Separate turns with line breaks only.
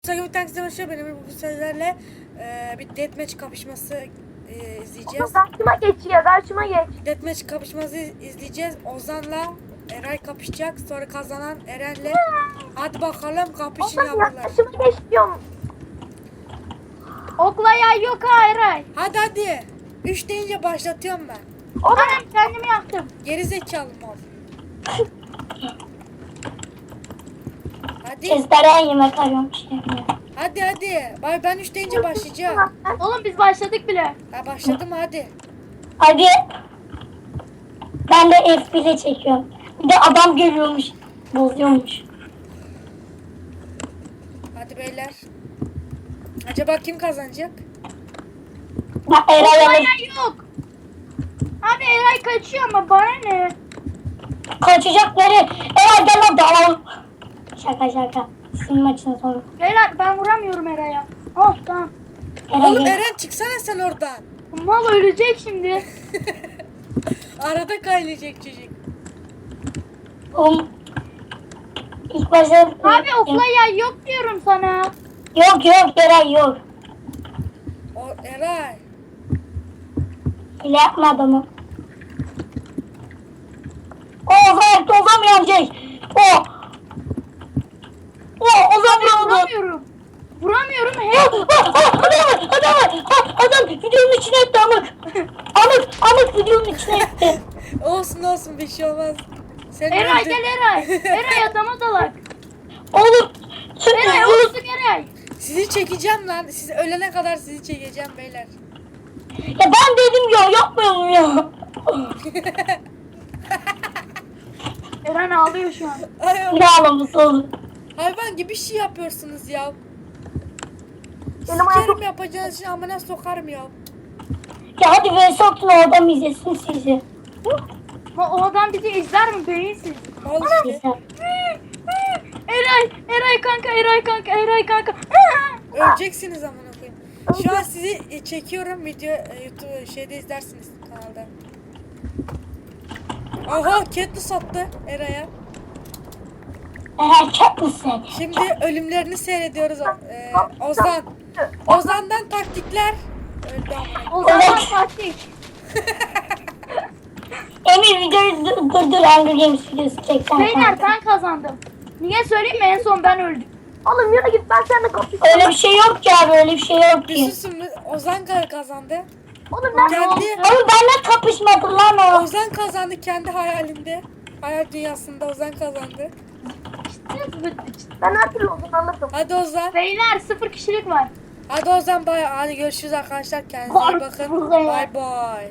Sakın taksi başlıyor. Benim bu sözlerle bir deathmatch kapışması izleyeceğiz.
Karşıma geç ya, karşıma geç.
Deathmatch kapışması izleyeceğiz. Ozan'la Eray kapışacak. Sonra kazanan Eren'le. Hadi bakalım kapışın
Oğlum ya,
yavrular.
karşıma geç diyorum.
Okla yay yok ha Eray.
Hadi. 3 deyince başlatıyorum ben.
Tamam kendimi yaktım.
Geri zekalı mal. Hadi.
Kızlara yemek arıyorum şimdi.
Hadi. Ben 3 deyince başlayacağım.
Oğlum biz başladık bile.
Ha başladım hadi.
Hadi. Ben de F1'e çekiyorum. Bir de adam geliyormuş. Bozuyormuş.
Hadi beyler. Acaba kim kazanacak?
Bak
Okla
Eray'a
yay yok. Abi Eray kaçıyor ama bana ne?
kaçacakları. Eray gel lan dalalım. Şaka. Sizin maçın sonu.
Beyler ben vuramıyorum Eray'a. Oh tamam.
Oğlum
Eray
Eren çıksana sen oradan.
Mal ölecek şimdi.
Arada kaynayacak çocuk.
oğlum. İlk başta...
Abi okla yay yok diyorum sana.
Yok Eray yok.
O Eray.
Öyle yapma adamı. Ozan mı yenecek? Ozan mı oldu?
Vuramıyorum. Hep
Adam videonun içine etti amık videonun içine etti.
Olsun bir şey olmaz. Sen
Eray
öldün.
gel Eray. Eray adama dalak.
Oğlum
Eray olsun Eray.
Sizi çekeceğim lan. Siz ölene kadar sizi çekeceğim beyler.
ya ben dedim ya yapmıyorum ya.
Eren ağlıyor şu an.
Ne ağlaması oğlum.
Hayvan gibi bir şey yapıyorsunuz ya.
Benim ayağım-
Sikerim yapacağınız için amına sokarım ya.
Ya hadi vs atın o adam izlesin sizi.
O adam bizi izler mi beyinsiz?
Mal işte.
İzler.
Eray kanka.
Öleceksiniz amına koyayım. Şu an sizi çekiyorum video YouTube şeyde izlersiniz kanalda. Aha Katniss attı Eray'a.
Eğer çok mısın?
Şimdi ölümlerini seyrediyoruz Ozan. Ozan'dan taktikler. Öldü amına.
O zaman taktik.
Emir videoyu durdur Hunger Games videosu çeksen.
Beyler ben kazandım. Niye söyleyeyim mi? En son ben öldüm.
Oğlum yürü git, ben seninle kapışacağım.
Öyle bir şey yok ki abi öyle bir şey yok
Bir
ki.
susun Ozan kazandı.
Oğlum ben
Kendi
Oğlum benimle kapışmadı lan o.
Ozan kazandı kendi hayalinde. Hayal dünyasında Ozan kazandı.
ben her türlü olduğunu anladım.
Hadi Ozan.
Beyler 0 kişilik var.
Hadi Ozan bay. Hadi görüşürüz arkadaşlar. Kendinize iyi bakın. Bay bay.